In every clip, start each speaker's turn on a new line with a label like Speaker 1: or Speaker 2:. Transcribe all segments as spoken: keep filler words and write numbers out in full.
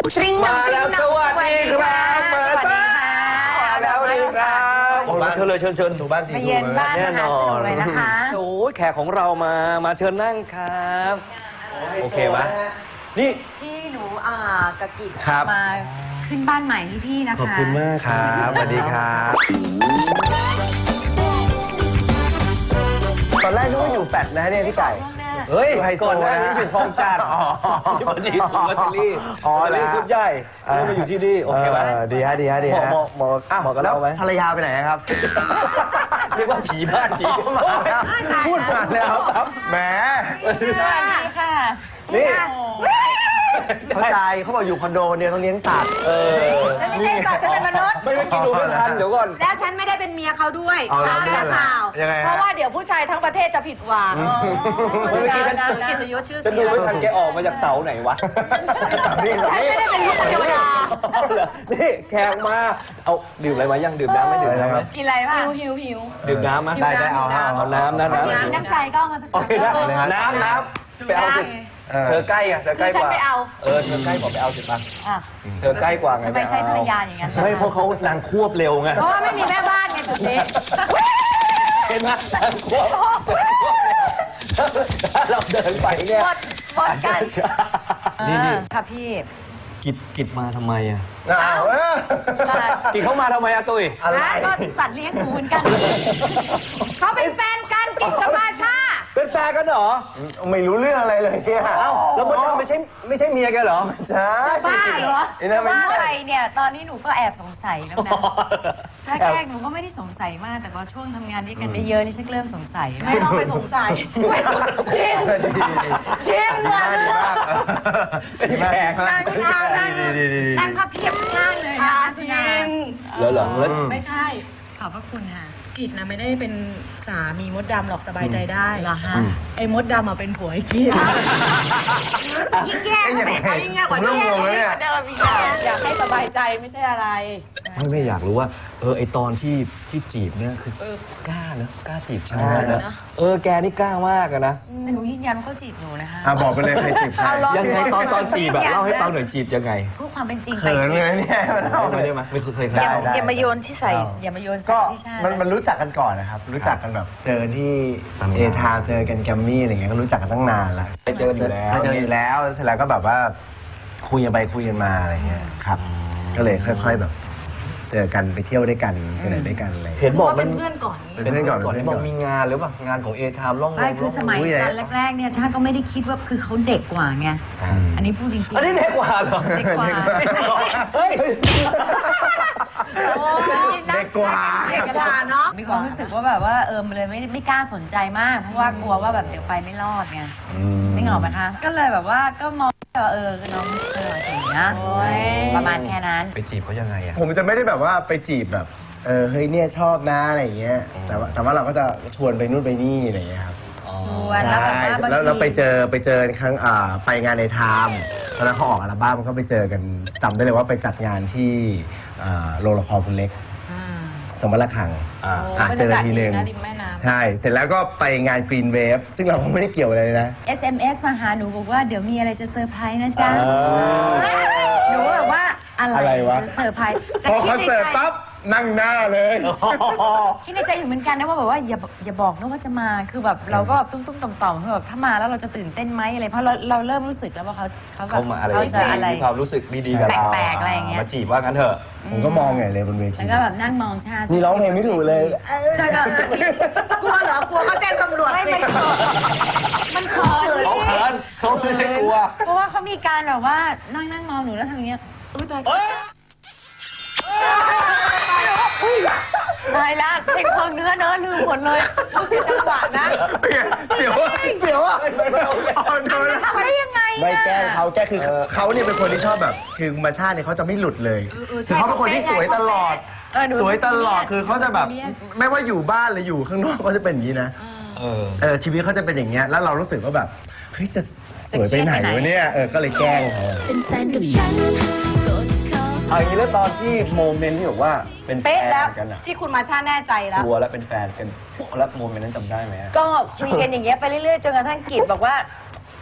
Speaker 1: มาแล้วสวัสดีครับมาแล้วสวัสดีครับโอ้เชิญเลยเชิญเชิญถูบ้านสีถูแน่นอนเลยนะคะโอ้แขกของเรามามาเชิญนั่งครับโอเคไหมนี่
Speaker 2: พี่หนูอ่ากะกิมาขึ้นบ้านใหม่ที่พี่นะคะ
Speaker 1: ขอบคุณมากครับสวัสดีครับ
Speaker 3: ตอนแรกนึกว่าอยู่แฟดนะเนี่ยพี่ไก่
Speaker 1: เฮ้ยก่อนหน้านี้อยู่คลองจันทร์ที่มาดีถูกลอตเตอรี่อ๋อเลยคุณใหญ่ไม่มาอยู่ที่นี่โอเคไหม
Speaker 3: ดีฮะดีฮะดีฮะ
Speaker 1: เหมาะเหมาะเหมาะกับเราไหม
Speaker 3: ภรรยาไปไหนครับ
Speaker 1: เรียกว่าผีบ้านผีมา
Speaker 3: พูดมาแล้วครับแหม
Speaker 2: สวัสดีค่ะ
Speaker 3: นี่เข้าใจเขาบอกอยู่คอนโดเนี่ยต้องเลี้ยงสัตว์
Speaker 2: เออฉันไม่ใช่สัตว์ฉันเป็นมนุษย์
Speaker 1: ไม่ไม่กินดูไม่ทันเดี๋ยวก่อน
Speaker 2: แล้วฉันไม่ได้เป็นเมียเขาด้วยข่าวข่าวเพราะว่าเดี๋ยวผู้ชายทั้งประเทศจะผิดหวัง
Speaker 1: เมื่อกี้ฉัน
Speaker 2: กิตยศชื่อ
Speaker 1: ฉันดูไม่ทันแกออกมาจากเสาไหนวะ
Speaker 3: นี่
Speaker 2: ฉันไม่ได้เป็นลูกเทวดา
Speaker 1: นี่แขกมาเอาดื่มอะไรมายังดื่มน้ำไม่ดื่มน้ำไหม
Speaker 2: กินอะไรบ้างหิวหิว
Speaker 1: ดื่มน้ำมั้ย
Speaker 3: ได้ได้เอา
Speaker 1: เอาน้ำนะน้
Speaker 2: ำน้ำใจก็เอามาสัก
Speaker 1: น้ำน้ำไปเอาสิเธอใกล้อะเธอใกล้กว่าเออเธอใกล้กว่าไปเอาสิป่ะเธอใกล้กว่าไง
Speaker 2: ไม่ใช่ภรรยาอย่างนั้น
Speaker 1: ไม่เพราะเขานางควบเร็วไง
Speaker 2: เพราะว่าไม่มีแม่บ้านไงจุดนี้
Speaker 1: เห็นไหมนางควบเราเดินไปเนี่ย
Speaker 2: หมดหมดกัน
Speaker 1: นี่นี่
Speaker 2: ค่ะพี่
Speaker 1: กิจกิจมาทำไมอะ
Speaker 3: อ้าว
Speaker 1: กิจเขามาทำไมอะตุ้ย
Speaker 2: อะไรก็สัตว์เลี้ยงหนูเหมือนกันเขาเป็นแฟนกันกิจกับมาชา
Speaker 1: เป็นแฟนกันเหรอ
Speaker 3: ไม่รู้เรื่องอะไรเลยเนี่ย
Speaker 1: เอ้าแล้วมันไม่ใช่ไม่ใช่เมียแกเหรอ
Speaker 3: ใช่
Speaker 2: บ้าเหรอบ้าอะไรเนี่ยตอนนี้หนูก็แอบสงสัยแล้วนะแรกๆหนูก็ไม่ได้สงสัยมากแต่พอช่วงทำงานด้วยกันได้เยอะนี่ฉันเริ่มสงสัยไม่ต้องไปสงสัยชินชินเลย
Speaker 1: เป็นแขก
Speaker 2: นั่งนั่งนั่งนั่งพับเพียบข้างเลยนะชิน
Speaker 1: แล้วเหรอ
Speaker 2: ไม่ใช่ขอบพระคุณค่ะกิจนะไม่ได้เป็นสามีมดดำหรอกสบายใจได้เหรอฮะไอ้มดดำอ่ะเป็นผัวไอ้กิจยิ่งแย่เขายิ่งแย่กว่าเดิมอยากให้สบายใจไม่ใช่อะไร
Speaker 1: ไม่ไม่อยากรู้ว่าเออไอตอนที่ที่จีบเนี่ยคือกล้านะกล้าจีบชายนะเออแกนี่กล้ามากนะ
Speaker 2: แต่หนูยืนยันว่าเขาจีบหนูนะคะ
Speaker 3: บอกไปเลยใครจีบใคร
Speaker 1: ยังไงตอนตอนจีบแบบเล่าให้ฟังหน่อยจีบยังไง
Speaker 2: พูดความเป็นจริงไป
Speaker 3: เขินเลยเนี่ย
Speaker 1: เล่าได้ไหมไม่เคยเคย
Speaker 2: อย่ามาโยนที่ใส่อย่ามาโยนใส่ที่ชา
Speaker 3: มันมันรู้จักกันก่อนนะครับรู้จักกันแบบเจอที่เอทาเจอกันแกมมี่อะไรเงี้ยก็รู้จักกันตั้งนานแล้ว
Speaker 1: ไปเจออยู่แล้ว
Speaker 3: เจออยู่แล้วเสร็จแล้วก็แบบว่าคุยกันไปคุยกันมาอะไรเงี้ยครับก็เลยค่อยๆแบบเจอกันไปเที่ยวด้วยกันไปไหนด้วยกันอะไร
Speaker 1: เห็นบอก
Speaker 2: เป็นเพื่อนก่อน
Speaker 3: เป็นเพื่อนก่อน
Speaker 1: เห็นบอกมีงานหรือเปล่างานของเอทามล่องล
Speaker 2: มคือสมัยตอนแรกๆเนี่ยชาก็ไม่ได้คิดว่าคือเขาเด็กกว่าไงอันนี้พูดจริงๆ
Speaker 1: อันนี้เด็กกว่าเหรอ
Speaker 2: เด็กกว่า
Speaker 1: เฮ้ย
Speaker 3: เด็กกว่า
Speaker 2: เด็กกว่าเนาะมีความรู้สึกว่าแบบว่าเออมันเลยไม่ไม่กล้าสนใจมากเพราะว่ากลัวว่าแบบเดี๋ยวไปไม่รอดไงไม่เหงาไหมคะก็เลยแบบว่าก็มองเออน้องเออถึงนะประมาณแค่นั้น
Speaker 1: ไปจีบเขายังไงอะ
Speaker 3: ผมจะไม่ได้แบบว่าไปจีบแบบเออเฮ้ยเนี่ยชอบนะอะไรอย่างเงี้ยแต่ว่าแต่ว่าเราก็จะชวนไปนู่นไปนี่อะไรอย่างเงี้ยครับ
Speaker 2: ชวนแล้วแบบว่า
Speaker 3: แล้วเราไปเจอไปเจอครั้งอ่าไปงานในไทม์ตอนนั้นเขาออกอัลบั้มก็ไปเจอกันจำได้เลยว่าไปจัดงานที่โรงละครคุณเล็กตรงบ้านละคังอ่าเจอทีหนึ่งใช่เสร็จแล้วก็ไปงาน Green Wave ซึ่งเราก็ไม่ได้เกี่ยวอะไรเลยนะ
Speaker 2: เอส เอ็ม เอส มาหาหนูบอกว่าเดี๋ยวมีอะไรจะเซอร์ไพรส์นะจ๊ะหนูแบบว่าอะไรจะเซอร์ไพรส์
Speaker 3: พอคอนเสิร์ตปั๊บนั่งหน้าเลย
Speaker 2: คิดในใจอยู่เหมือนกันนะว่าแบบว่าอย่าอย่าบอกนะว่าจะมาคือแบบเราก็ตุ้งตุ้งต่อมต่อมคือแบบถ้ามาแล้วเราจะตื่นเต้นไหมอะไรเพราะเราเราเริ่มรู้สึกแล้วว่าเขาเขาแบบ
Speaker 1: เขาจะอะไรความรู้สึกดีๆกับเรา
Speaker 2: แปลกๆอะไรอย่างเงี้ย
Speaker 1: มาจีบว่างั้นเถอะ
Speaker 3: ผมก็มองไงเลยบนเวที
Speaker 2: แล้วก็แบบนั่งมองชา
Speaker 3: นี่ร้องเพลงไม่ถูกเลย
Speaker 2: ใช่ก็กลัวเหรอกลัวเขาแจ้งตำรวจสิมันเขิน
Speaker 1: เขาเขินเขาไม่ได้กลัว
Speaker 2: เพราะว่าเขามีการแบบว่านั่งนั่งมองหนูแล้วทำอย่างเงี้ยอุ้ยตายตายละเพลงเพลิงเนื้อเนื้อลืมหมดเลยรู้สึกจังหวะนะ
Speaker 3: เสียวเสียวอ่ะ
Speaker 2: ทำได้ยังไง
Speaker 3: ไม่แกล้งเขาแกคือเขาเนี่ยเป็นคนที่ชอบแบบคือมาชาติเนี่ยเขาจะไม่หลุดเลยคือเขาเป็นคนที่สวยตลอดสวยตลอดคือเขาจะแบบไม่ว่าอยู่บ้านหรืออยู่ข้างนอกก็จะเป็นอย่างนี้นะเออชีวิตเขาจะเป็นอย่างเงี้ยแล้วเรารู้สึกว่าแบบเฮ้ยจะสวยไปไหนวะเนี่ยเออก็เลยแกล้งเขาเป็นแฟนกับฉัน
Speaker 1: เอาอย่างนี้แล้วตอนที่โมเมนต์ที่บอกว่าเป็นแฟนกันอะ
Speaker 2: ที่คุณมาชาแน่ใจแล้ว
Speaker 1: ชัวร์แล้วเป็นแฟนกันแล้วโมเมนต์นั้นจำได้ไหม
Speaker 2: ก็คุยกันอย่างเงี้ยไปเรื่อยๆจนกระทั่งกิจบอกว่า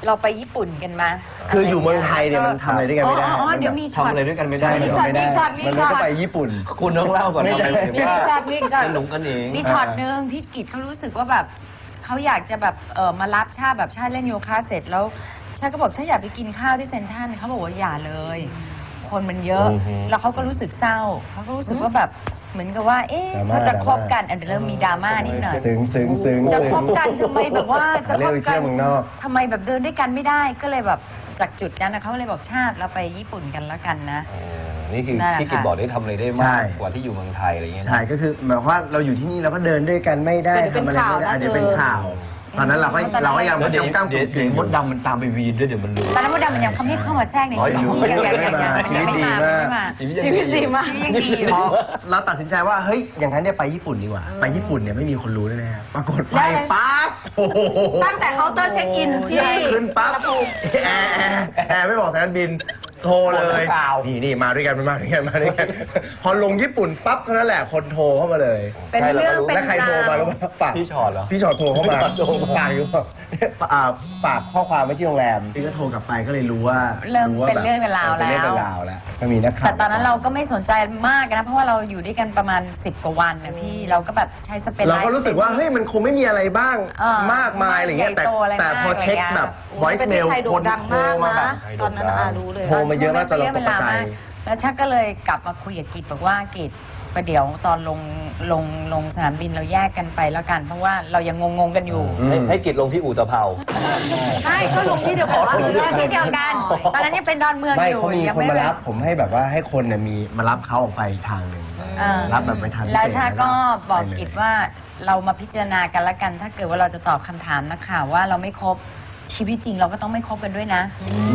Speaker 4: เราไปญี่ปุ่นกันมา
Speaker 3: คืออยู่เมืองไทยเนี่ยมันทำอะไรด้วยกันไม่ได้
Speaker 4: อ๋อเดี๋ยวมีช็อ
Speaker 1: ทำ
Speaker 4: ต
Speaker 1: อะไรด้วยกันไม่ได้
Speaker 3: ใช่มันทำไม่ได้
Speaker 2: มีช็อตมี
Speaker 3: มัน
Speaker 2: ช็
Speaker 3: เลย
Speaker 2: อต
Speaker 3: ก็ไปญี่ปุ่น
Speaker 1: คุณต้องเล่าก่อน
Speaker 3: ไม่ใช่
Speaker 1: ทำไมถึงว่า
Speaker 2: มีช็อตมีช็อต
Speaker 1: สนุกกันเอง
Speaker 4: มีช็อตหนึ่งที่กิจเขารู้สึกว่าแบบเขาอยากจะแบบเออมารับชาแบบชาเล่นโยคะเสร็จแล้วชาก็บอกชาอยากไปกินข้าวที่เซ็นทรัลเขาบอกว่าอย่าเลย คนมันเยอะ
Speaker 1: อือฮึ
Speaker 4: แล้วเขาก็รู้สึกเศร้าเขาก็รู้สึกว่าแบบเหมือนกับว่า เอ๊ะ
Speaker 3: ดราม่า
Speaker 4: เขาจะคบกันอันเดี๋ยวเริ่มมีดราม่านิดหน่อย
Speaker 3: ซึ้งซึ้งซึ้ง
Speaker 4: จะคบกันทำไมแบบว่าจะ
Speaker 3: เรี
Speaker 4: ค
Speaker 3: ยก
Speaker 4: บ
Speaker 3: ไป
Speaker 4: กั
Speaker 3: เที่ย
Speaker 4: น
Speaker 3: วเมืองนอก
Speaker 4: ทำไมแบบเดินด้วยกันไม่ได้ก็เลยแบบจากจุดนั้นนะเขาเลยบอกชาติเราไปญี่ปุ่นกันแล้วกันนะ
Speaker 1: อ๋อนี่คือ
Speaker 4: นั่นแหละ
Speaker 1: พี่กิต
Speaker 4: ค่ะ
Speaker 1: บอกได้ทำอะไรได้
Speaker 3: ใช่
Speaker 1: มากกว่าที่อยู่เมืองไทยอะไรอย่างเงี้ยนะ
Speaker 3: ใช่ก็คือหมายความว่าเราอยู่ที่นี่เราก็เดินด้วยกันไม่ได้
Speaker 2: เดี๋ยว
Speaker 3: ทำอะไรไม่ได้
Speaker 2: เป็นข่าวนะ
Speaker 3: เดี๋ยวเป็น
Speaker 2: เธอ
Speaker 3: ข่าว ตอนนั้นเราก็เราก็ยัง
Speaker 1: แล้วเดี๋ยว
Speaker 3: กำก้าม
Speaker 1: เดี๋ยว
Speaker 3: กึ่ง
Speaker 1: เดี๋ยวมดดำมันตามไปวีนด้วยเดี๋ยวมันรู้
Speaker 4: ตอนนั้นมดดำมันยังเขาไม่เข้ามาแทรกใน
Speaker 1: อ๋อ
Speaker 4: ชีวิต
Speaker 1: ยัง
Speaker 4: ยังยังยัง
Speaker 3: ชีวิตดี
Speaker 4: ยัง
Speaker 3: มาก
Speaker 4: ไม่มา
Speaker 2: ชีวิตดีมาก
Speaker 4: ชีวิตยังดีอยู่
Speaker 3: พอเราตัดสินใจว่าเฮ้ยอย่างนั้นเนี่ยไปญี่ปุ่นดีกว่า ไปญี่ปุ่นเนี่ยไม่มีคนรู้แน่ๆปรากฏไปปั๊บโอ้โห
Speaker 2: ตั้งแต่เคาน์เตอร์เช็คอินที่
Speaker 3: ขึ้นปั๊บแอร์แอร์แอร์ไม่บอกสายการบินโทรเลยนี่นี่มาด้วยกันมาด้วยกันมาด้วยกันพอลงญี่ปุ่นปั๊บเท่านั้นแหละคนโทรเข้ามาเลย
Speaker 4: เป็นเรื่องเป็น
Speaker 3: แล้วใครโทรมาแล้วว่าฝาก
Speaker 1: พี่ชอตเหรอ
Speaker 3: พี่ชอตโทรเข้ามา
Speaker 1: พี่ชอตโทรมา
Speaker 3: ฝากอยู่ว่าอ่าฝากข้อความไว้ที่โรงแรมพี่ก็โทรกลับไปก็เลยรู้ว่า
Speaker 4: เริ่ม
Speaker 3: ว่า
Speaker 4: เป็น
Speaker 3: แบบ
Speaker 4: เรื่องเป็นราว
Speaker 3: เป็นเรื่อง
Speaker 4: แล้ว
Speaker 3: เป็นราวแล้วก็มีนักข่าว
Speaker 4: แต่ตอนนั้นเราก็ไม่สนใจมากนะ เพราะว่าเราอยู่ด้วยกันประมาณสิบกว่าวันนะพี่เราก็แบบใช้สเปน
Speaker 3: เราก็รู้สึกว่าเฮ้ยมันคงไม่มีอะไรบ้าง
Speaker 4: เออ
Speaker 3: มากมายอะไรเงี้ยแต่
Speaker 4: ใหญ่โตอะไร
Speaker 3: แต่พอ
Speaker 4: มาก
Speaker 3: เช็ค
Speaker 4: อะไรเงี้ย
Speaker 3: แบบ
Speaker 2: โอ้ย
Speaker 3: voice
Speaker 2: ประเทศ
Speaker 3: mail
Speaker 2: ไทยโด่
Speaker 3: ค
Speaker 2: ง
Speaker 3: น
Speaker 2: ดัง
Speaker 3: โทร
Speaker 2: มาก
Speaker 3: มาแบ
Speaker 2: นะ
Speaker 3: บ
Speaker 2: ตอนนั้นอารู้เลย
Speaker 3: โทรมาเยอะมากจนเราตกใจ
Speaker 4: แล้วชักก็เลยกลับมาคุยกับกิจบอกว่ากิจประเดี๋ยวตอนลงลงลงสนามบินเราแยกกันไปแล้วกัน เพราะว่าเรายังงงๆกันอยู่
Speaker 1: ให้ให้กิตลงที่อู่ตะเภา
Speaker 2: ใช่ก็ลงที่เดียวกันว่า
Speaker 4: เรื่องที่เดียวกัน ตอนนั้นยังเป็นดอนเมือง
Speaker 3: ไม่
Speaker 4: อยู่
Speaker 3: เขามี
Speaker 4: ยัง
Speaker 3: คน
Speaker 4: ไม่
Speaker 3: มา
Speaker 4: เป็น
Speaker 3: รับผมให้แบบว่าให้คนเนี่ยมีมารับเขาออกไปอีกทางหนึ่ง
Speaker 4: อ่า
Speaker 3: รับแบบไปทางพิเศษ
Speaker 4: แล้วชาก็บอก
Speaker 3: ไปเลย
Speaker 4: กิจว่าเรามาพิจารณากันละกัน ถ้าเกิดว่าเราจะตอบคำถามนักข่าวว่าเราไม่ครบชีวิตจริงเราก็ต้องไม่คบกันด้วยนะ